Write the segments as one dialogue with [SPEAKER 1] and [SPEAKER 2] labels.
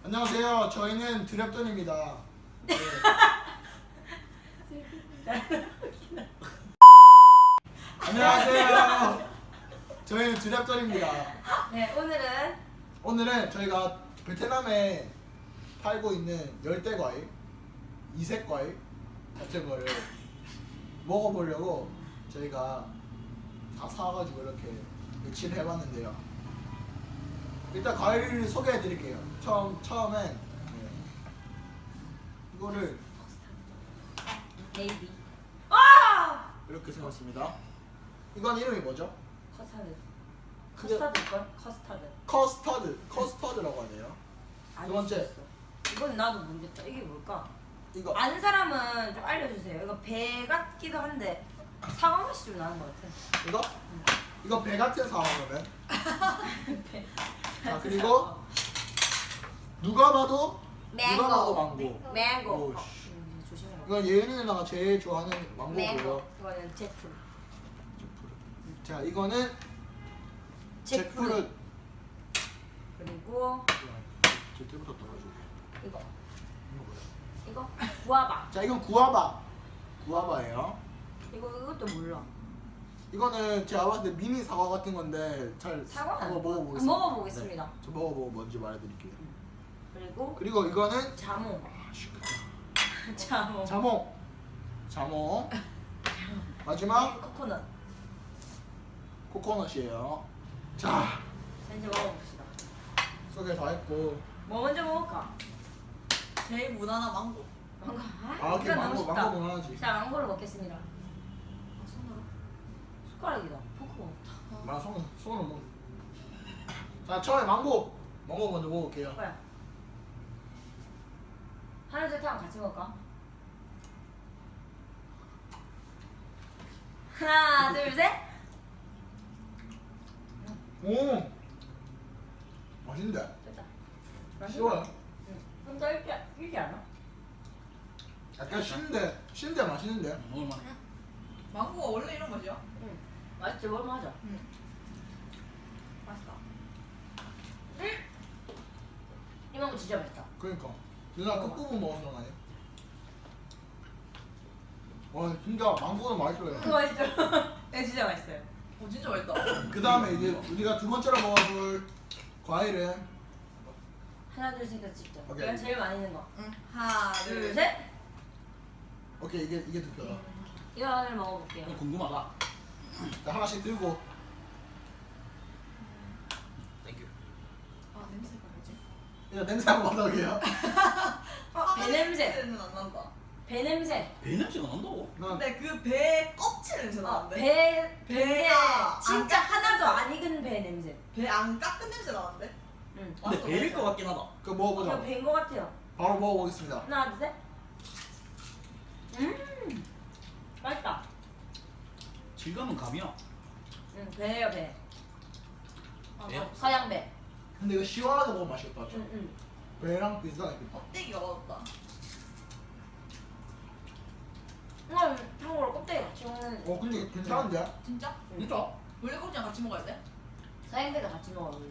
[SPEAKER 1] 안녕하세요. 저희는 드랩돈입니다. 네. 안녕하세요. 저희는 드랩돈입니다.
[SPEAKER 2] 네,
[SPEAKER 1] 오늘은 저희가 베트남에 팔고 있는 열대 과일, 이색 과일 같은 거를 먹어보려고 저희가 다 사가지고 이렇게 며칠 해봤는데요. 일단 과일을 소개해드릴게요. 처음엔 이거를
[SPEAKER 2] 네이비. 아!
[SPEAKER 1] 이렇게 세웠습니다. 이건 이름이 뭐죠?
[SPEAKER 2] 커스타드.
[SPEAKER 1] 그게-
[SPEAKER 2] 커스타드 걸? 커스타드.
[SPEAKER 1] 커스터드라고 하네요.
[SPEAKER 2] 알
[SPEAKER 1] 두 번째.
[SPEAKER 2] 수 있어. 이건 나도 모르겠다. 이게 뭘까?
[SPEAKER 1] 이거
[SPEAKER 2] 아는 사람은 좀 알려주세요. 이거 배 같기도 한데 사과 맛이 좀 나는 것 같아.
[SPEAKER 1] 이거? 이거 배 같은 상황이면.
[SPEAKER 2] 배.
[SPEAKER 1] 자 그리고 누가 봐도
[SPEAKER 2] 망고.
[SPEAKER 1] 누가 봐도 망고.
[SPEAKER 2] 망고.
[SPEAKER 1] 오우, 씨.
[SPEAKER 2] 조심해라.
[SPEAKER 1] 이건 예은이 누나가 제일 좋아하는 망고고요.
[SPEAKER 2] 망고. 이거는 잭프루.
[SPEAKER 1] 자 이거는 잭프루트.
[SPEAKER 2] 그리고
[SPEAKER 1] 저 때부터 떨어지고.
[SPEAKER 2] 이거.
[SPEAKER 1] 이거 뭐야?
[SPEAKER 2] 이거 구아바.
[SPEAKER 1] 자 이건 구아바예요.
[SPEAKER 2] 이것도 몰라.
[SPEAKER 1] 이거는 제가 봤을 때 미니 사과 같은 건데 잘
[SPEAKER 2] 사과는
[SPEAKER 1] 한번
[SPEAKER 2] 아니고.
[SPEAKER 1] 먹어보겠습니다.
[SPEAKER 2] 먹어보겠습니다.
[SPEAKER 1] 네, 저 먹어보고 뭔지 말해드릴게요.
[SPEAKER 2] 그리고
[SPEAKER 1] 그리고 이거는
[SPEAKER 2] 자몽.
[SPEAKER 1] 아, 시끄럽다.
[SPEAKER 2] 자몽.
[SPEAKER 1] 자몽. 마지막
[SPEAKER 2] 코코넛.
[SPEAKER 1] 코코넛이에요. 자
[SPEAKER 2] 자, 이제 먹어봅시다.
[SPEAKER 1] 소개 다 했고.
[SPEAKER 2] 뭐 먼저 먹을까?
[SPEAKER 3] 제일 무난한 망고.
[SPEAKER 2] 망고.
[SPEAKER 1] 아 오케이
[SPEAKER 2] 이거 너무
[SPEAKER 1] 망고
[SPEAKER 2] 쉽다.
[SPEAKER 1] 무난하지.
[SPEAKER 2] 자, 망고를 먹겠습니다.
[SPEAKER 3] 아, 손으로.
[SPEAKER 2] 숟가락이다. 포크가 없다.
[SPEAKER 1] 나 손으로 먹. 자 처음에 망고 먼저 먹을게요.
[SPEAKER 2] 뭐야? 하나 둘 셋 하면 같이 먹을까? 하나 둘 셋.
[SPEAKER 1] 오 맛있는데?
[SPEAKER 2] 됐다.
[SPEAKER 1] 쉬워요.
[SPEAKER 2] 응. 좀 더 익지 않아?
[SPEAKER 1] 약간 신데 맛있는데?
[SPEAKER 4] 먹을만해.
[SPEAKER 3] 망고가 원래 이런 맛이야?
[SPEAKER 2] 응. 맛있지? 뭘만 하자.
[SPEAKER 3] 응. 맛있다.
[SPEAKER 2] 이 망고 진짜 맛있다.
[SPEAKER 1] 그러니까 누나 끝부분 먹어서 그런 거 아니야? 와 진짜 망고는 맛있어요.
[SPEAKER 2] 이거 맛있죠? 네, 진짜 맛있어요.
[SPEAKER 3] 오, 진짜 맛있다.
[SPEAKER 1] 그 다음에 이제 우리가 두 번째로 먹어볼 과일은
[SPEAKER 2] 하나 둘 셋 같이 찍자.
[SPEAKER 1] 오케이.
[SPEAKER 2] 이건 제일 많이 있는 거.
[SPEAKER 3] 응. 하나,
[SPEAKER 2] 둘
[SPEAKER 3] 둘, 셋.
[SPEAKER 2] 셋.
[SPEAKER 1] 오케이 이게 득표다.
[SPEAKER 2] 이거 하나를 먹어볼게요.
[SPEAKER 4] 이거 궁금하다.
[SPEAKER 1] 자 하나씩 들고
[SPEAKER 4] 땡큐.
[SPEAKER 3] 아, 냄새가 뭐지?
[SPEAKER 1] 일단 냄새 한번 맡아볼게요.
[SPEAKER 2] 배 냄새.
[SPEAKER 3] 냄새는 안 난다.
[SPEAKER 2] 배 냄새.
[SPEAKER 4] 배 냄새가 난다고?
[SPEAKER 1] 누나
[SPEAKER 3] 근데 그 배 껍질 냄새 나는데?
[SPEAKER 2] 배인데
[SPEAKER 3] 배가
[SPEAKER 2] 진짜
[SPEAKER 3] 안
[SPEAKER 2] 하나도 안 익은 배 냄새.
[SPEAKER 3] 배 안 깎은 냄새 나는데?
[SPEAKER 2] 응.
[SPEAKER 4] 근데
[SPEAKER 3] 맞아,
[SPEAKER 4] 배일
[SPEAKER 3] 맞아.
[SPEAKER 4] 것 같긴 하다.
[SPEAKER 1] 그거 먹어보자.
[SPEAKER 2] 이거 배인 것 같아요.
[SPEAKER 1] 바로 먹어보겠습니다.
[SPEAKER 2] 하나 둘 셋. 맛있다.
[SPEAKER 4] 질감은 감이야.
[SPEAKER 2] 응, 배예요 배.
[SPEAKER 3] 아,
[SPEAKER 4] 배요?
[SPEAKER 3] 나
[SPEAKER 2] 서양 배.
[SPEAKER 1] 근데 이거 시원하게 먹으면 맛있겠다.
[SPEAKER 2] 응.
[SPEAKER 1] 배랑 비슷하게.
[SPEAKER 3] 껍데기가 맛없다.
[SPEAKER 2] 이건 참고로 껍데기 같이 먹는
[SPEAKER 1] 근데 이거 괜찮은데?
[SPEAKER 3] 진짜?
[SPEAKER 4] 진짜?
[SPEAKER 3] 원래 껍질이랑 같이 먹어야 돼?
[SPEAKER 2] 서양 배도 같이 먹어 원래.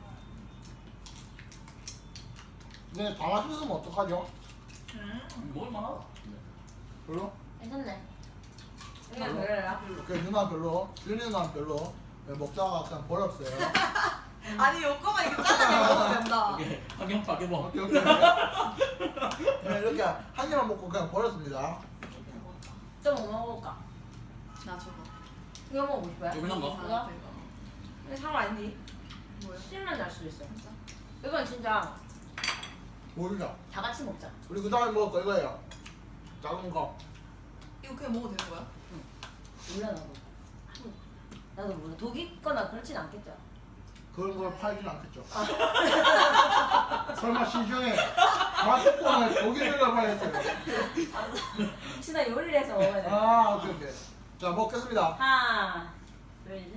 [SPEAKER 1] 근데 다 맛있으면 어떡하죠?
[SPEAKER 4] 먹을만하다.
[SPEAKER 1] 별로?
[SPEAKER 2] 괜찮네. 이거
[SPEAKER 1] 별로?
[SPEAKER 2] 별로야.
[SPEAKER 1] 오케이 누나 별로. 윤희 누나 별로. 네, 먹다가 그냥 버렸어요.
[SPEAKER 3] 아니, 요거만 이렇게 잘라내 먹으면 된다.
[SPEAKER 4] 오케이. 확인 뭐.
[SPEAKER 1] 오케이 오케이. 네, 이렇게 한 입만 먹고 그냥 버렸습니다.
[SPEAKER 2] 좀 뭐 먹어볼까?
[SPEAKER 3] 나 저거.
[SPEAKER 2] 이거 먹어보고 싶어요?
[SPEAKER 4] 조그만 거?
[SPEAKER 2] 이거? 이거 사과 아니지?
[SPEAKER 3] 뭐야?
[SPEAKER 2] 실만 날 수도 있어.
[SPEAKER 3] 진짜?
[SPEAKER 2] 이건 진짜
[SPEAKER 1] 모르자.
[SPEAKER 2] 다 같이 먹자.
[SPEAKER 1] 우리 그 다음에 먹을 거 이거예요. 작은 거.
[SPEAKER 3] 이거 그냥 먹어도 되는 거야?
[SPEAKER 2] 몰라 나도 몰라. 독이 있거나 그렇진 않겠죠.
[SPEAKER 1] 그런 걸 팔진 않겠죠. 설마 시중에 마스콘을 독일을 팔겠어요.
[SPEAKER 2] 혹시 나 요리를 해서 먹어야 돼.
[SPEAKER 1] 아 오케이 오케이. 자 먹겠습니다.
[SPEAKER 2] 하나 둘 셋.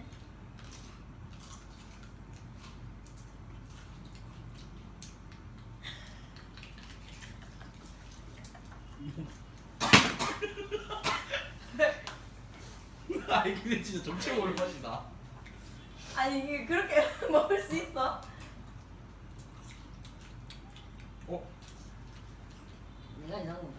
[SPEAKER 4] 아니 근데 진짜 정체 모를 맛이다.
[SPEAKER 2] 아니 이게 그렇게 먹을 수 있어?
[SPEAKER 1] 어?
[SPEAKER 2] 내가 이상한 건가?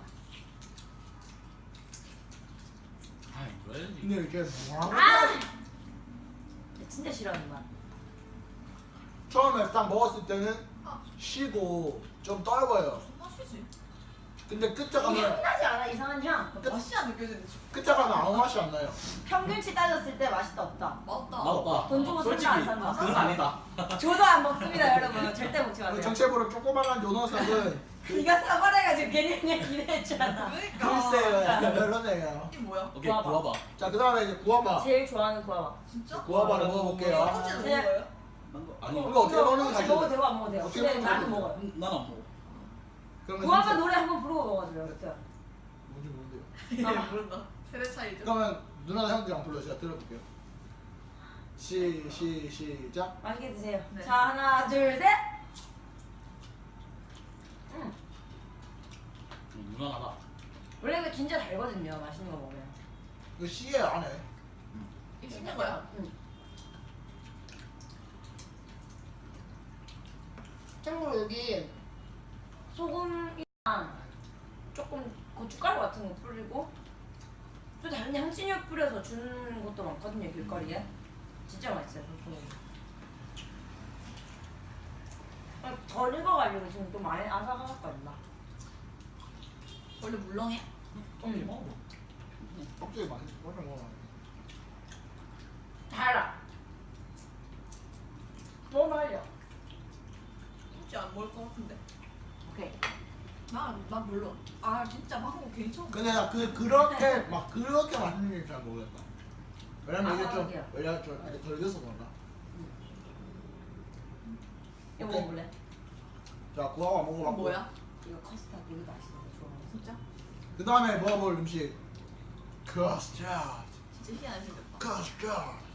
[SPEAKER 4] 아이 뭐야지.
[SPEAKER 1] 근데 이게 뭐라고?
[SPEAKER 2] 아! 진짜 싫어하는 맛.
[SPEAKER 1] 처음에 딱 먹었을 때는
[SPEAKER 3] 아.
[SPEAKER 1] 시고 좀 떫어요.
[SPEAKER 3] 무슨 맛이지?
[SPEAKER 1] 근데 끝에
[SPEAKER 2] 이게
[SPEAKER 1] 가면
[SPEAKER 2] 향나지 않아? 이상한 향.
[SPEAKER 3] 맛이 안 느껴지는데
[SPEAKER 1] 끝에 가면 아무 맛이 안 나요.
[SPEAKER 2] 평균치 따졌을 때 맛있다 없다.
[SPEAKER 3] 맛없다.
[SPEAKER 4] 맞다.
[SPEAKER 2] 돈 주고
[SPEAKER 4] 솔직히
[SPEAKER 2] 산다, 안 산다?
[SPEAKER 4] 그건 아니다.
[SPEAKER 2] 저도 안 먹습니다 여러분. 절대 먹지
[SPEAKER 1] 그
[SPEAKER 2] 마세요.
[SPEAKER 1] 정체부로 조그만한 요노석은
[SPEAKER 2] 네가 사과해가지고 괜히 그냥 기대했잖아.
[SPEAKER 3] 그러니까.
[SPEAKER 1] 글쎄요, 약간 별로네요.
[SPEAKER 3] 이게 뭐야?
[SPEAKER 4] 오케이
[SPEAKER 2] 구워봐.
[SPEAKER 4] 구워봐.
[SPEAKER 1] 자, 그 다음에 이제 구워봐.
[SPEAKER 2] 제일 좋아하는 구아바.
[SPEAKER 3] 진짜?
[SPEAKER 1] 구워봐를 먹어볼게요.
[SPEAKER 3] 어제는 먹은 거예요?
[SPEAKER 4] 아니
[SPEAKER 1] 이거 어떻게 먹는지
[SPEAKER 2] 혹시
[SPEAKER 1] 알죠?
[SPEAKER 2] 먹어도 되고 안 먹어도 돼요.
[SPEAKER 1] 어떻게
[SPEAKER 2] 근데
[SPEAKER 1] 먹는지
[SPEAKER 2] 나도
[SPEAKER 1] 알죠?
[SPEAKER 2] 먹어요.
[SPEAKER 4] 난 안 먹어.
[SPEAKER 1] 그러면
[SPEAKER 2] 구아바
[SPEAKER 1] 진짜-
[SPEAKER 2] 노래 한번 부르고 먹어줘요. 어때요?
[SPEAKER 1] 뭔지 모르는데요.
[SPEAKER 3] 아 모른다. 세대 차이죠.
[SPEAKER 1] 그러면 누나랑 형들이랑 불러 제가 들어볼게요. 시작.
[SPEAKER 2] 맛있게 드세요.
[SPEAKER 3] 네.
[SPEAKER 2] 자 하나 둘 셋.
[SPEAKER 4] 무난하다.
[SPEAKER 2] 원래 이거 진짜 달거든요. 맛있는 거 먹으면.
[SPEAKER 1] 이거 씨예요 안에.
[SPEAKER 3] 이게 신는 거야?
[SPEAKER 2] 응. 참고로 여기 소금이랑 조금 고춧가루 같은 거 뿌리고 또 다른 향신료 뿌려서 주는 것도 많거든요 길거리에. 진짜 맛있어요. 덜 익어가지고 지금 좀 많이 아삭아삭거린다.
[SPEAKER 3] 원래 물렁해?
[SPEAKER 2] 응.
[SPEAKER 4] 먹어.
[SPEAKER 1] 껍질이 맛있어. 훨씬 먹어.
[SPEAKER 2] 달아. 너무 달려.
[SPEAKER 3] 진짜 안 먹을 것 같은데.
[SPEAKER 2] 오케이.
[SPEAKER 3] 난 별로. 아 진짜 망고 괜찮아.
[SPEAKER 1] 근데 나 그렇게 막 그렇게 맛있는 줄 잘 모르겠다. 왜냐면 이게 좀
[SPEAKER 2] 아삭하게요.
[SPEAKER 1] 왜냐 좀 이렇게 덜 익어서 그런가.
[SPEAKER 2] 이거
[SPEAKER 1] 오케이.
[SPEAKER 2] 먹어볼래?
[SPEAKER 1] 자, 구워봐
[SPEAKER 3] 이거
[SPEAKER 1] 먹어봤고.
[SPEAKER 3] 뭐야?
[SPEAKER 2] 이거 커스터드 이거 맛있어. 이거 좋아하는
[SPEAKER 3] 진짜?
[SPEAKER 1] 그 다음에 먹어볼 음식. 커스터드.
[SPEAKER 3] 진짜 희한하게 생겼다.
[SPEAKER 1] 커스터드.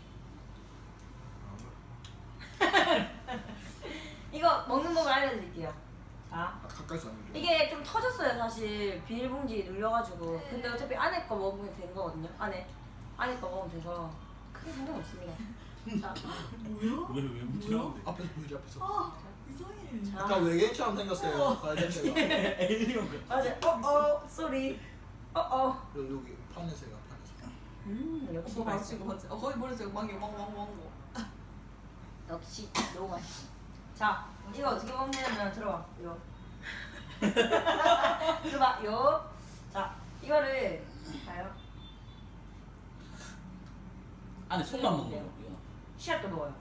[SPEAKER 2] 이거 먹는 법을 알려드릴게요. 자,
[SPEAKER 1] 아, 가까이서 안 해줘.
[SPEAKER 2] 이게 좀 터졌어요 사실 비닐봉지 눌려가지고. 근데 어차피 안에 거 먹으면 되는 거거든요. 안에 거 먹으면 돼서 크게 상관 없습니다. 자,
[SPEAKER 3] 뭐야?
[SPEAKER 4] 왜 묻히라는데?
[SPEAKER 1] 앞에서 보여줘 앞에서.
[SPEAKER 3] 아 이상해.
[SPEAKER 2] 자.
[SPEAKER 1] 약간 외계인처럼 생겼어요. 발냄새가.
[SPEAKER 4] 에일리언 그.
[SPEAKER 2] 맞아. 쏘리.
[SPEAKER 1] 여기 판에서요 판에서.
[SPEAKER 2] 역시
[SPEAKER 3] 뭐
[SPEAKER 2] 맛있어.
[SPEAKER 3] 맛있고 맞지? 거기 버렸어요. 망고.
[SPEAKER 2] 역시 너무 맛있어. 자, 이거 어떻게 먹냐면 들어봐. 이거. 들어봐. 요. 자, 이거를 봐요.
[SPEAKER 4] 안에 속만 먹는 거. 이거.
[SPEAKER 2] 씨앗도 먹어요.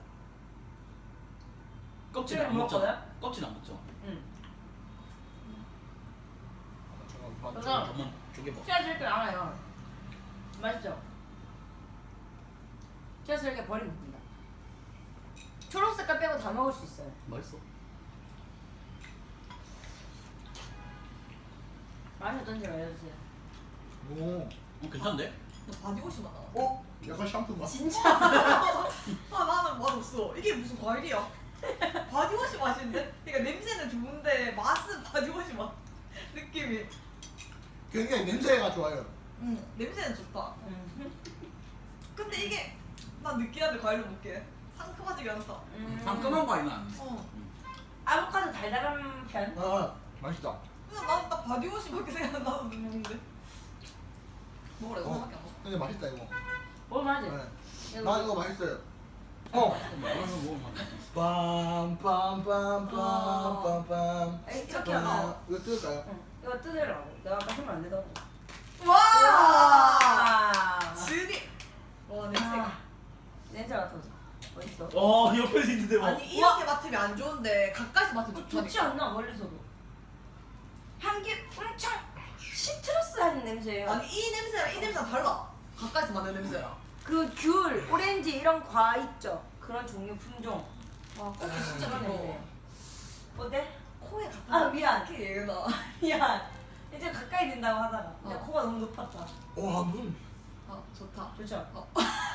[SPEAKER 4] 껍질
[SPEAKER 2] 그래,
[SPEAKER 4] 안 먹잖아.
[SPEAKER 2] 먹었거든?
[SPEAKER 4] 껍질 안 먹잖아.
[SPEAKER 2] 응.
[SPEAKER 1] 잠깐만.
[SPEAKER 4] 한번 쪼개봐.
[SPEAKER 2] 씨앗을 이렇게 알아요. 맛있죠? 씨앗을 이렇게 버리면 됩니다. 초록 색깔 빼고 다 먹을 수 있어요.
[SPEAKER 4] 맛있어.
[SPEAKER 2] 맛이 어떤지 알려주세요.
[SPEAKER 1] 오.
[SPEAKER 4] 괜찮은데?
[SPEAKER 3] 너 바디워시 맛나.
[SPEAKER 1] 어? 약간 샴푸 맛.
[SPEAKER 2] 진짜?
[SPEAKER 3] 아 나는 맛없어. 이게 무슨 과일이야? 바디워시 맛인데? 그러니까 냄새는 좋은데 맛은 바디워시 맛. 느낌이.
[SPEAKER 1] 굉장히 냄새가 좋아요.
[SPEAKER 3] 응 냄새는 좋다.
[SPEAKER 2] 음.
[SPEAKER 3] 근데 이게 난 느끼한데 과일을 먹게. 상큼하지가 않다.
[SPEAKER 4] 상큼한 거 아니나?
[SPEAKER 3] 어.
[SPEAKER 2] 아보카도 달달한 편?
[SPEAKER 1] 아 맛있다.
[SPEAKER 3] 근데 나는 딱 바디워시밖에 생각 안 나서 먹는데. 먹으래
[SPEAKER 1] 어.
[SPEAKER 3] 너밖에 안 먹어.
[SPEAKER 1] 근데 맛있다 이거.
[SPEAKER 2] 먹을만하지?
[SPEAKER 1] 네. 나 이거 맛있어요. 어. 빰빰빰빰빰빰빰.
[SPEAKER 2] 이렇게 하나.
[SPEAKER 1] 이거 뜯을까요?
[SPEAKER 2] 응. 이거 뜯으라고. 내가 아까 하면 안 되더라고.
[SPEAKER 3] 와!
[SPEAKER 2] 와!
[SPEAKER 3] 질이. 와 냄새가.
[SPEAKER 2] 아, 냄새 맡아보자. 어딨어?
[SPEAKER 4] 어 옆에 있는데 뭐.
[SPEAKER 3] 아니 이렇게 맡으면 안 좋은데 가까이서 맡으면 좋다니까.
[SPEAKER 2] 좋지 않나 멀리서도. 향기 엄청 시트러스한 냄새예요.
[SPEAKER 3] 아니 이 냄새랑 이 냄새랑 달라. 가까이서 맡는 냄새랑.
[SPEAKER 2] 그 귤, 오렌지 이런 과 있죠. 그런 종류 품종.
[SPEAKER 3] 와 커피 진짜
[SPEAKER 2] 그런
[SPEAKER 3] 좋아.
[SPEAKER 2] 냄새. 어때?
[SPEAKER 3] 코에 갖다.
[SPEAKER 2] 아, 미안.
[SPEAKER 3] 이렇게 얘나.
[SPEAKER 2] 미안. 이제 가까이 된다고 하다가 근데
[SPEAKER 3] 어.
[SPEAKER 2] 코가 너무 높았다.
[SPEAKER 1] 와 눈.
[SPEAKER 3] 아 좋다.
[SPEAKER 2] 좋죠?
[SPEAKER 3] 어.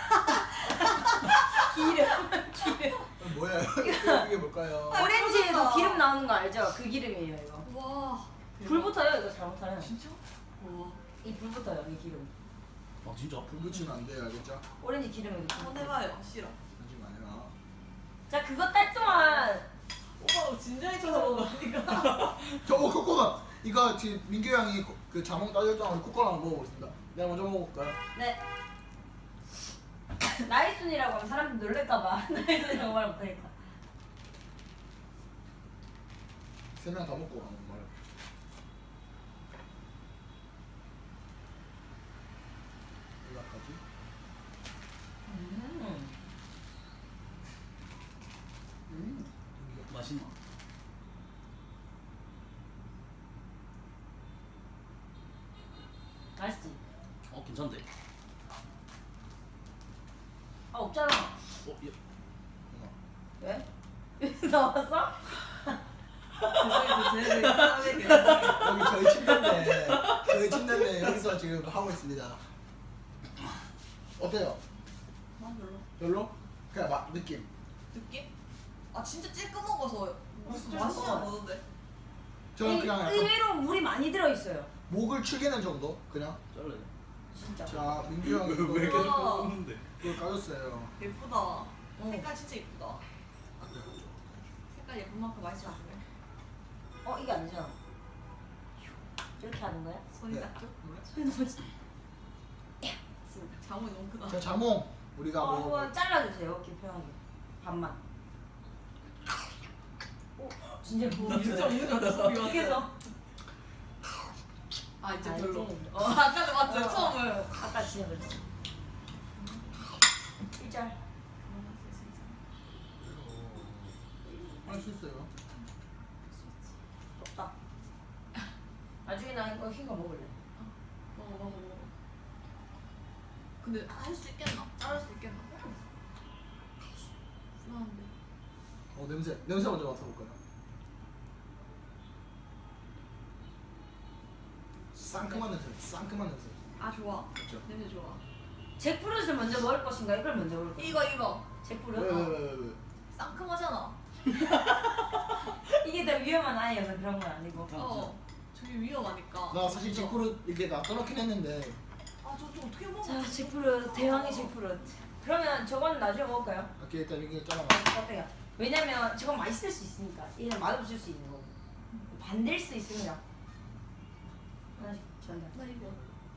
[SPEAKER 2] 기름.
[SPEAKER 1] 뭐야? 이게 뭘까요?
[SPEAKER 3] 아,
[SPEAKER 2] 오렌지에도
[SPEAKER 3] 그러니까.
[SPEAKER 2] 기름 나오는 거 알죠? 그 기름이에요 이거.
[SPEAKER 3] 와.
[SPEAKER 2] 불 붙어요 이거 잘못하면.
[SPEAKER 3] 진짜? 와.
[SPEAKER 2] 이 불 붙어요 이 기름.
[SPEAKER 4] 아 진짜?
[SPEAKER 1] 불 붙이면 안 돼요, 알겠죠?
[SPEAKER 2] 오렌지 기름에 이렇게.
[SPEAKER 3] 한번 해봐요. 싫어.
[SPEAKER 1] 하지 마요.
[SPEAKER 2] 자 그거 딸 동안
[SPEAKER 3] 오빠 너 진작에 쳐다본 거 아니까?
[SPEAKER 1] 코코넛 이거 지금 민규 형이 그 자몽 따졌던 코코넛 한번 먹어보겠습니다. 내가 먼저 먹어볼까요?
[SPEAKER 2] 네. 나이순이라고 하면 사람들 놀랄까봐 나이순이라고 말 못하니까.
[SPEAKER 1] 3명 다 먹고 가는 말. 연락하지?
[SPEAKER 4] 맛있나?
[SPEAKER 2] 맛있지?
[SPEAKER 4] 괜찮대.
[SPEAKER 2] 아 없잖아.
[SPEAKER 4] 예.
[SPEAKER 2] 왜? 나왔어?
[SPEAKER 1] 여기 저희 침대인데 저희 침대인데 여기서 지금 하고 있습니다. 어때요?
[SPEAKER 3] 난 별로.
[SPEAKER 1] 별로? 그냥 느낌.
[SPEAKER 3] 느낌? 아 진짜 찔끔 먹어서 무슨
[SPEAKER 2] 찔끔
[SPEAKER 3] 맛이
[SPEAKER 2] 먹어.
[SPEAKER 3] 안 나던데?
[SPEAKER 1] 저는 그냥 약간
[SPEAKER 2] 의외로 물이 많이 들어있어요.
[SPEAKER 1] 목을 축이는 정도? 그냥.
[SPEAKER 4] 잘래.
[SPEAKER 2] 진짜.
[SPEAKER 1] 자 민규 형이
[SPEAKER 4] 왜
[SPEAKER 1] 이거
[SPEAKER 4] 계속 먹는데?
[SPEAKER 1] 그걸 까줬어요.
[SPEAKER 3] 예쁘다.
[SPEAKER 2] 응.
[SPEAKER 3] 색깔 진짜 예쁘다. 색깔 예쁜 만큼 맛이 안 나.
[SPEAKER 2] 이게 아니잖아. 이렇게 하는 거야?
[SPEAKER 3] 손이
[SPEAKER 1] 네.
[SPEAKER 3] 작죠?
[SPEAKER 2] 손이 너무 작-
[SPEAKER 3] 자몽이 너무 크다.
[SPEAKER 1] 자 자몽 우리가 뭐
[SPEAKER 2] 이거 잘라주세요. 이렇게 편하게. 반만. 진짜 부어.
[SPEAKER 3] 진짜 우유졌어.
[SPEAKER 2] 어떻게 해서?
[SPEAKER 3] 아 이제
[SPEAKER 2] 아,
[SPEAKER 3] 별로.
[SPEAKER 2] 이제.
[SPEAKER 3] 아까도 맞죠?
[SPEAKER 2] 어.
[SPEAKER 3] 처음을.
[SPEAKER 2] 아까 진짜 그랬어. 1절.
[SPEAKER 1] 할 수 있어요.
[SPEAKER 2] 덥다. 나중에 나 이거 흰 거 먹을래.
[SPEAKER 3] 먹어. 근데 할 수 있겠나? 자를 수 있겠나? 불안한데.
[SPEAKER 1] 냄새 먼저 맡아볼까요? 상큼한 냄새.
[SPEAKER 3] 아 좋아.
[SPEAKER 1] 그렇죠.
[SPEAKER 3] 냄새 좋아.
[SPEAKER 2] 잭프루트를 먼저 먹을 것인가? 이걸 먼저 먹을 것인가?
[SPEAKER 3] 이거.
[SPEAKER 2] 잭프루트?
[SPEAKER 1] 왜?
[SPEAKER 3] 상큼하잖아.
[SPEAKER 2] 이게 더 위험한 아이여서 그런 건 아니고.
[SPEAKER 3] 저기 위험하니까.
[SPEAKER 1] 나 사실 잭프루 이렇게 나 떠놓긴 했는데
[SPEAKER 3] 아저 어떻게 먹어?
[SPEAKER 2] 자, 잭프루트. 대왕의 잭프루트. 그러면 저건 나중에 먹을까요?
[SPEAKER 1] 이렇게 일단 이게 잘라.
[SPEAKER 2] 어때요? 왜냐면 저건 맛있을 수 있으니까. 얘는 맛없을 수 있는 거고. 반댈 수 있습니다. 하나씩 전달.
[SPEAKER 3] 나 이거.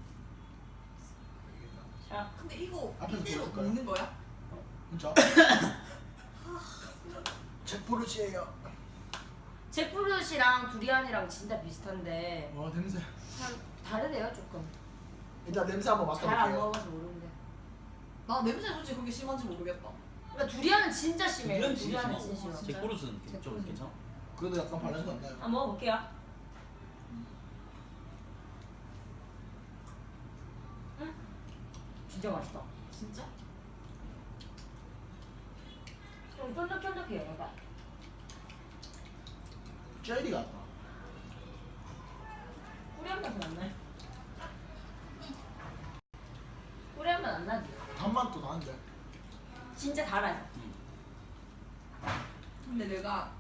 [SPEAKER 2] 자,
[SPEAKER 3] 근데 이거
[SPEAKER 1] 앞에서
[SPEAKER 3] 이대로
[SPEAKER 1] 보여줄까요?
[SPEAKER 3] 먹는 거야?
[SPEAKER 1] 진짜? 잭프루트예요.
[SPEAKER 2] 잭프루트랑 두리안이랑 진짜 비슷한데
[SPEAKER 1] 와 냄새.
[SPEAKER 2] 다르대요 조금.
[SPEAKER 1] 일단 냄새 한번
[SPEAKER 2] 잘 안
[SPEAKER 1] 맡아볼게요.
[SPEAKER 2] 먹어봐서 모르는데.
[SPEAKER 3] 나 냄새 솔직히 그렇게 심한지 모르겠다.
[SPEAKER 2] 그러니까 두리안은 진짜 심해요.
[SPEAKER 4] 두리안 진짜
[SPEAKER 2] 두리안은
[SPEAKER 4] 심하고.
[SPEAKER 2] 진짜 심해.
[SPEAKER 4] 잭프루트는 좀
[SPEAKER 2] 잭프루트.
[SPEAKER 4] 괜찮아.
[SPEAKER 1] 그래도 약간 발냄새 안 나요.
[SPEAKER 2] 한번 먹어볼게요. 진짜 맛있다.
[SPEAKER 3] 진짜?
[SPEAKER 2] 좀 쫀득쫀득해요, 약간.
[SPEAKER 1] 젤리 같다.
[SPEAKER 2] 꾸리한 맛은 안 나요. 꾸리한 맛 안 나지.
[SPEAKER 1] 단맛도 나는데.
[SPEAKER 2] 진짜 달아요.
[SPEAKER 3] 근데 내가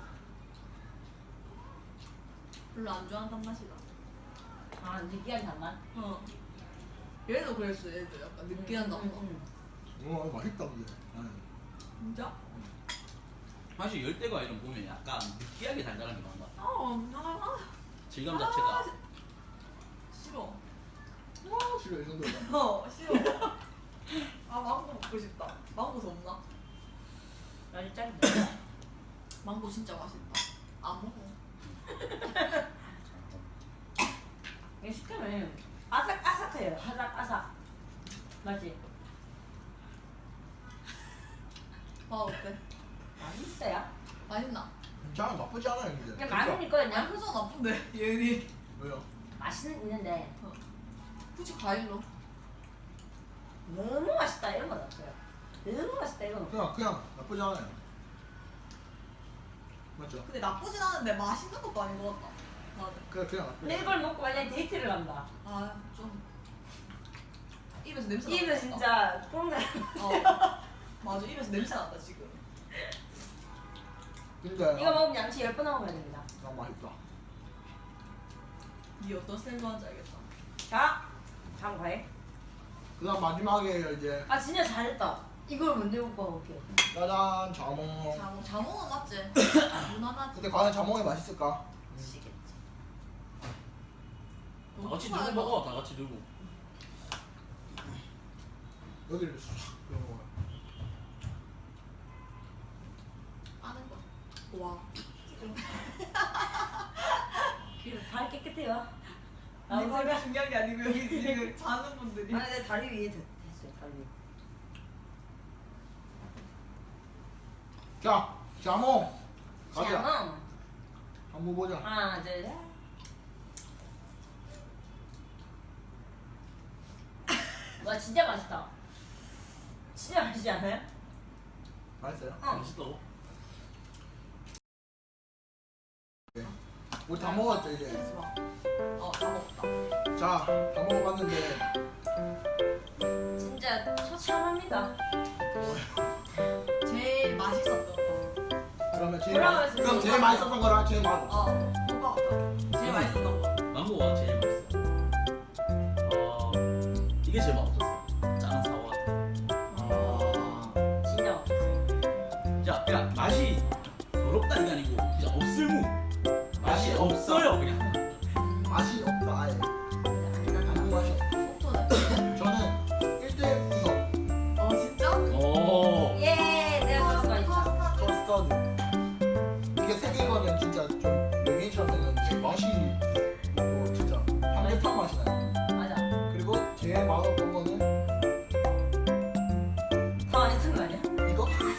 [SPEAKER 3] 별로 안 좋아하는 단맛이다.
[SPEAKER 2] 아, 느끼한 단맛?
[SPEAKER 3] 얘도 그랬어. 얘도 약간 느끼한 단맛.
[SPEAKER 1] 와 맛있다 근데.
[SPEAKER 3] 진짜?
[SPEAKER 4] 사실 열대과 이런 보면 약간 느끼하게 달달한 게 많아. 질감
[SPEAKER 3] 아,
[SPEAKER 4] 자체가.
[SPEAKER 3] 싫어.
[SPEAKER 1] 싫어 이 정도다.
[SPEAKER 3] 싫어. 아 망고 먹고 싶다. 망고 더 없나?
[SPEAKER 2] 아주 짠데.
[SPEAKER 3] 망고 진짜 맛있다. 안 먹어.
[SPEAKER 2] 이게 식감은 아삭아삭해요. 아삭아삭. 맞지?
[SPEAKER 3] 맛 어때?
[SPEAKER 2] 맛있어요.
[SPEAKER 3] 맛있나?
[SPEAKER 1] 괜찮아 나쁘지 않아요 근데.
[SPEAKER 2] 그냥 맛은 있거든요.
[SPEAKER 3] 야 표정 나쁜데 얘니.
[SPEAKER 1] 왜요?
[SPEAKER 2] 맛은 있는데
[SPEAKER 3] 굳이 과일로.
[SPEAKER 2] 너무 맛있다 이런 건 없어요. 너무 맛있다 이건 없어요.
[SPEAKER 1] 그냥 나쁘지 않아요. 맞죠?
[SPEAKER 3] 근데 나쁘진 않은데 맛있는 것도 아닌 것 같다. 나는.
[SPEAKER 1] 그냥 나쁘지
[SPEAKER 2] 근데
[SPEAKER 1] 않아요.
[SPEAKER 2] 이걸 먹고 만약에 데이트를 간다.
[SPEAKER 3] 아 좀. 입에서 냄새
[SPEAKER 2] 입에
[SPEAKER 3] 난다.
[SPEAKER 2] 진짜 뽕나.
[SPEAKER 3] 맞아 입에서 냄새 난다 지금.
[SPEAKER 1] 근데
[SPEAKER 2] 이거 먹으면 양치 10번 하고 가야 됩니다.
[SPEAKER 1] 난 맛있다.
[SPEAKER 3] 니 어떤 스타일 좋아하는지 알겠다.
[SPEAKER 2] 자, 다음 과일.
[SPEAKER 1] 그다음 마지막에 이제
[SPEAKER 2] 아 진짜 잘했다. 이걸 먼저 먹고 가볼게요.
[SPEAKER 1] 짜잔 자몽.
[SPEAKER 3] 자몽은 맞지? 무난하지.
[SPEAKER 1] 근데 과연 자몽이 맛있을까?
[SPEAKER 3] 시겠지.
[SPEAKER 4] 다 같이 들고 먹어. 다 같이 들고.
[SPEAKER 1] 여기를 싹 이런 거.
[SPEAKER 3] 아는 거. 와.
[SPEAKER 2] 발 깨끗해요.
[SPEAKER 3] 내 발이 중요한 게 아니고 여기 지금 자는 분들이.
[SPEAKER 2] 아니 내 다리 위에 됐어요. 다리 위에.
[SPEAKER 1] 자, 자몽. 가자.
[SPEAKER 2] 자몽.
[SPEAKER 1] 한번 보자.
[SPEAKER 2] 하나 둘 셋. 와 진짜 맛있다. 진짜 맛있지 않아요?
[SPEAKER 1] 맛있어요?
[SPEAKER 2] 어.
[SPEAKER 4] 맛있다고?
[SPEAKER 1] 우리 다 먹었죠 이제.
[SPEAKER 3] 다 먹었다.
[SPEAKER 1] 자, 다 먹어봤는데
[SPEAKER 2] 진짜 처참합니다.
[SPEAKER 3] 제일 맛있었던 거.
[SPEAKER 1] 그러면
[SPEAKER 2] 뭐라고 했어요?
[SPEAKER 1] 그럼 제일 맛있었던 거랑 제일 맛없어.
[SPEAKER 3] 오빠 어떤? 제일 맛있었던 거.
[SPEAKER 4] 망고가 제일 맛있어. 이게 제일 맛없었어. 짜는 사과.
[SPEAKER 2] 진짜 맛있어요.
[SPEAKER 4] 자, 그냥 맛이 더럽다 이게 아니고 그냥 없을무. 맛이 없어요 그냥.
[SPEAKER 1] 맛이 없다 아예.
[SPEAKER 2] 안 난다.
[SPEAKER 1] 아무 맛이 없어.
[SPEAKER 3] 속도는?
[SPEAKER 1] 저는 1대 이거
[SPEAKER 3] 진짜?
[SPEAKER 4] 오.
[SPEAKER 2] 예, 내가 좋아하는 거 있죠.
[SPEAKER 1] 커스터드. 이게 세 개거면 진짜 좀 메뉴처럼 생겼는데 맛이 뭐 진짜 삼계탕 맛이 나요.
[SPEAKER 2] 맞아.
[SPEAKER 1] 그리고 제일 맛없던 거는
[SPEAKER 2] 다 맛있는 거 아니야?
[SPEAKER 1] 이거?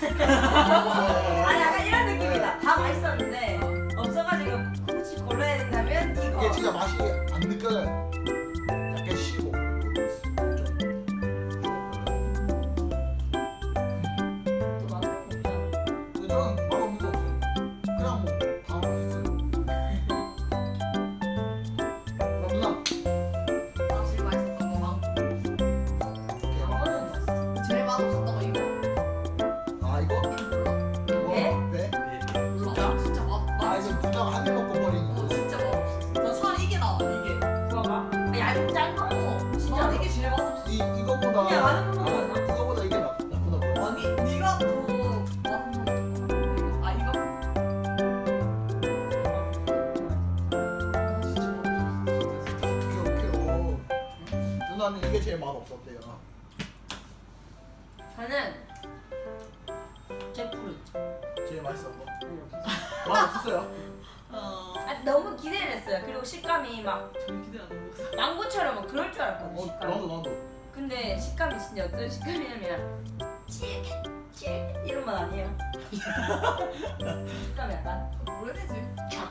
[SPEAKER 2] 아니 약간 이런 느낌이다. 다 맛있었는데 없어가지고 굳이 골라야 된다면 이거.
[SPEAKER 1] 이게 진짜 맛이 안 느껴져요. 약간 쉬고
[SPEAKER 2] 또 맛없는 거 없잖아.
[SPEAKER 1] 근데 저는 맛없는 거 없어요. 그냥 뭐 다 맛있어요. 그럼 누나
[SPEAKER 3] 나 제일 맛있었던 거 망고.
[SPEAKER 2] 이거는 맛있어.
[SPEAKER 3] 제일 맛없었던 거 이거.
[SPEAKER 1] 아 이거?
[SPEAKER 2] 예?
[SPEAKER 1] 네?
[SPEAKER 3] 몰라. 진짜 맛.
[SPEAKER 1] 아 이거 그냥 한 입 먹고 버리는 거.
[SPEAKER 3] 진짜 맛없었어. 나 살이 이게 나와 이게.
[SPEAKER 2] 구워봐. 얇은 짠 거. 진짜.
[SPEAKER 3] 난 이게 제일 맛없었어.
[SPEAKER 1] 이거보다
[SPEAKER 2] 그냥 아는 것만 먹나?
[SPEAKER 1] 이거보다 이게 나쁘다 보여.
[SPEAKER 3] 아니 네가 더 맛없는 거. 아 이거? 진짜 맛없었어.
[SPEAKER 1] 오케이. 누나는 이게 제일 맛없었대요.
[SPEAKER 2] 저는 잭프루트.
[SPEAKER 1] 제일 맛있었던 거.
[SPEAKER 2] 이렇게.
[SPEAKER 1] 맛없었어요?
[SPEAKER 3] 어.
[SPEAKER 2] 아, 너무 기대를 했어요. 그리고 식감이 막
[SPEAKER 3] 저는 기대 안 하고 있어.
[SPEAKER 2] 망고처럼 그럴 줄 알았거든요. 식감이.
[SPEAKER 1] 나도.
[SPEAKER 2] 근데 식감이 진짜 어떤 식감이냐면 질깃 이런 맛 아니에요. 식감이 약간
[SPEAKER 3] 뭐라 해야 되지?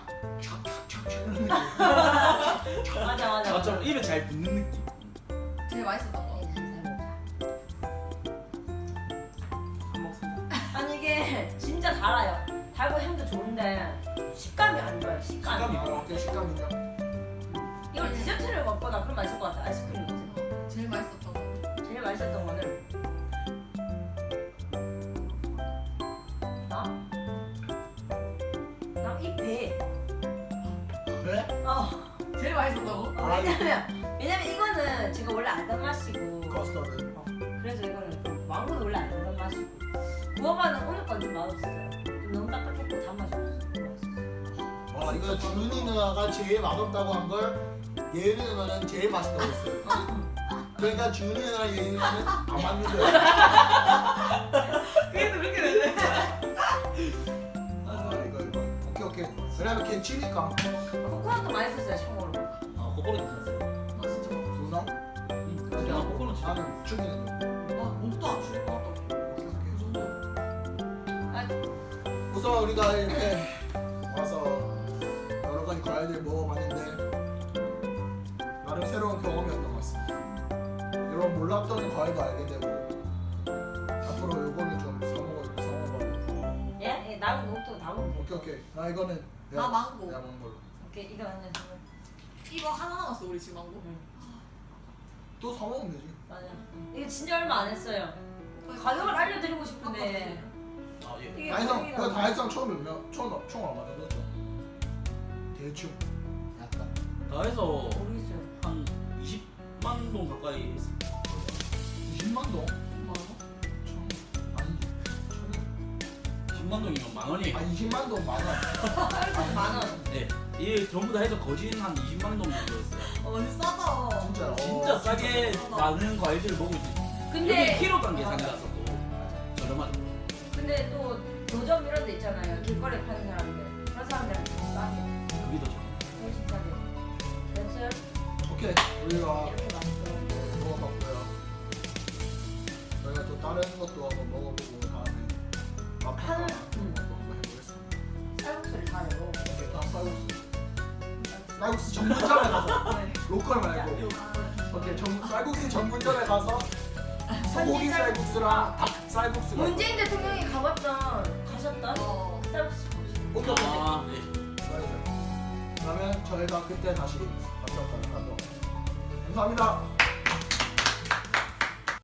[SPEAKER 2] 맞아.
[SPEAKER 4] 저처럼 입에 잘 붙는 느낌.
[SPEAKER 3] 제일 맛있었던 거.
[SPEAKER 2] 안 먹습니다. 아니 이게 진짜 달아요. 달고 향도 좋은데 식감이 안 좋아요. 식감이.
[SPEAKER 1] 어때 식감이냐?
[SPEAKER 2] 이걸 디저트를 먹거나 그런 맛일 것 같아. 아이스크림 먹으면.
[SPEAKER 3] 제일 맛있었던 거.
[SPEAKER 2] 제일 맛있었던 거는 나이 배.
[SPEAKER 1] 왜?
[SPEAKER 3] 제일 맛있었다고?
[SPEAKER 2] 왜냐면 이거는 제가 원래 알던 맛이고
[SPEAKER 1] 커스터드.
[SPEAKER 2] 그래서 이거는 좀 망고도 원래 알던 맛이고 구워봐는 오늘 건 좀 맛없었어요. 좀 너무 딱딱했고 단맛이 없었어요.
[SPEAKER 1] 와 이거 준이 누나가 제일 맛없다고 한 걸 예은이 누나는 제일 맛있다고 했어요. 그러니까 준이 누나랑 예은이 누나는 안 맞는 거야.
[SPEAKER 3] 그래도 그렇게 되네.
[SPEAKER 1] 이거. 오케이. 왜냐면 걔 치니까.
[SPEAKER 2] 코코넛도 맛있었어요. 참고로.
[SPEAKER 4] 코코넛 괜찮았어요.
[SPEAKER 3] 나 진짜 맛없어.
[SPEAKER 1] 누나?
[SPEAKER 4] 야, 코코넛 진짜.
[SPEAKER 1] 나는 준이는.
[SPEAKER 3] 나 목도 안 줄일 것 같다고. 그 정도.
[SPEAKER 1] 우선 우리가 이렇게 와서 여러 가지 과일들 먹어봤는데 나름 새로운 경험이었던 것 같습니다. 여러분 몰랐던 과일도 알게 되고 앞으로 요거는 좀 사먹어봐.
[SPEAKER 2] 예? 남은 것도 다 먹으면 돼요.
[SPEAKER 1] 오케이. 나 이거는
[SPEAKER 3] 나 망고.
[SPEAKER 1] 내가 먹는 걸로.
[SPEAKER 2] 오케이 이거 하나 주면.
[SPEAKER 3] 이거 하나 남았어 우리 지금 망고.
[SPEAKER 1] 또 사먹으면 되지.
[SPEAKER 2] 맞아. 이게 진짜 얼마 안 했어요. 가격을 알려드리고 싶은데
[SPEAKER 4] 아 예.
[SPEAKER 2] 이게
[SPEAKER 1] 다이성
[SPEAKER 2] 가격이
[SPEAKER 1] 그
[SPEAKER 2] 나와.
[SPEAKER 1] 다이성 총 얼마 정도죠? 대충 약간
[SPEAKER 4] 다 해서
[SPEAKER 2] 모르겠어요.
[SPEAKER 4] 한 20만 동 가까이 했을 거예요.
[SPEAKER 1] 20만 동?
[SPEAKER 3] 뭐라고?
[SPEAKER 1] 총 아니지. 총이
[SPEAKER 4] 10만 20만 동이면 10,000원이에요.
[SPEAKER 1] 아 20만 동 많아.
[SPEAKER 2] 쌀국수 만 원.
[SPEAKER 4] 네, 이게 전부 다 해서 거진 한 20만 동 정도였어요.
[SPEAKER 3] 완전 싸다.
[SPEAKER 1] 진짜.
[SPEAKER 4] 진짜 싸게 많은 과일들을 먹을 수 있어요.
[SPEAKER 2] 근데
[SPEAKER 4] 여기 키로당 계산이라서 또 저렴하죠.
[SPEAKER 2] 근데 또 노점 이런 데 있잖아요. 길거리에 파는 사람들. 그런 사람들한테 더 싸게.
[SPEAKER 4] 그게 더 좋아요.
[SPEAKER 2] 훨씬 싸게. 됐어요?
[SPEAKER 1] 오케이 우리가
[SPEAKER 2] 이렇게 맛있어.
[SPEAKER 1] 먹어봤고요. 저희가 또 다른 것도 한번 먹어보고 다음에 맛평가
[SPEAKER 2] 하는-
[SPEAKER 1] 한번 해보겠습니다.
[SPEAKER 2] 쌀국수를 잘해요.
[SPEAKER 1] 오케이 다음 쌀국수. 쌀국수 전문점에 가서
[SPEAKER 3] 네.
[SPEAKER 1] 로컬 말고. 오케이 쌀국수 전문점에 가서 소고기 쌀국수랑 닭 쌀국수가.
[SPEAKER 2] 문재인 대통령이 가셨던 쌀국수.
[SPEAKER 1] 오케이 오케이.
[SPEAKER 4] 아, 네.
[SPEAKER 1] 그러면 저희가 그때 다시 만나도록 하겠습니다. 감사합니다.